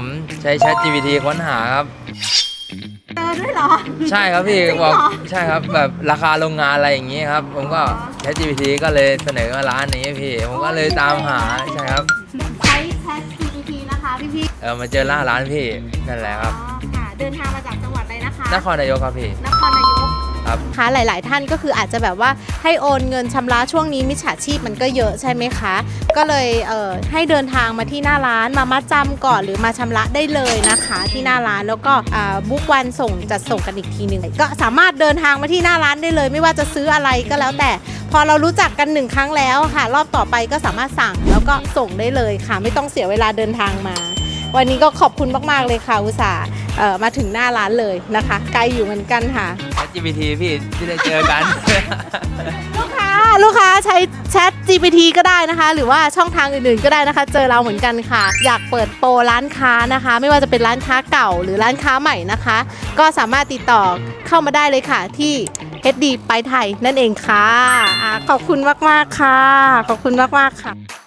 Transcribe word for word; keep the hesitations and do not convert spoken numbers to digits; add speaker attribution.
Speaker 1: ผมใช้ Chat จี พี ที ค้นหาครับ
Speaker 2: เจอด้วยเหรอ
Speaker 1: ใช่ครับพี่บอกใช่ครับแบบราคาโรงงานอะไรอย่างงี้ครับผมก็ Chat จี พี ที ก็เลยเสนอมาร้านนี้พี่ผมก็เลยตามหาใช่ครับ
Speaker 2: ใช้ Chat จี พี ที นะคะพี่พี่
Speaker 1: เออมาเจอหน้าร้านพี่นั่นแหละครับ
Speaker 2: ค่ะเดินทางมาจากจังหวัดอะไรนะคะ
Speaker 1: นครนายกครับพี่
Speaker 2: นครนายก
Speaker 1: ครับ
Speaker 3: ค่ะหลายๆท่านก็คืออาจจะแบบว่าให้โอนเงินชำระช่วงนี้มิจฉาชีพมันก็เยอะใช่ไหมคะก็เลยเอ่อให้เดินทางมาที่หน้าร้านมามัดจำก่อนหรือมาชำระได้เลยนะคะที่หน้าร้านแล้วก็บุ๊กวันส่งจัดส่งกันอีกทีหนึ่งก็สามารถเดินทางมาที่หน้าร้านได้เลยไม่ว่าจะซื้ออะไรก็แล้วแต่พอเรารู้จักกันหนึ่งครั้งแล้วค่ะรอบต่อไปก็สามารถสั่งแล้วก็ส่งได้เลยค่ะไม่ต้องเสียเวลาเดินทางมาวันนี้ก็ขอบคุณมากๆเลยค่ะอุตส่าห์มาถึงหน้าร้านเลยนะคะไกลอยู่เหมือนกันค่ะ
Speaker 1: Chat จี พี ที พี่ที่ได้เจอกัน
Speaker 3: ลูกค้าลูกค้าใช้ Chat จี พี ที ก็ได้นะคะหรือว่าช่องทางอื่นๆก็ได้นะคะเจอเราเหมือนกันค่ะอยากเปิดโปรร้านค้านะคะไม่ว่าจะเป็นร้านค้าเก่าหรือร้านค้าใหม่นะคะก็สามารถติดต่อเข้ามาได้เลยค่ะที่ เอช ดี ไปไทยนั่นเองค่ะขอบคุณมากๆค่ะขอบคุณมากๆค่ะ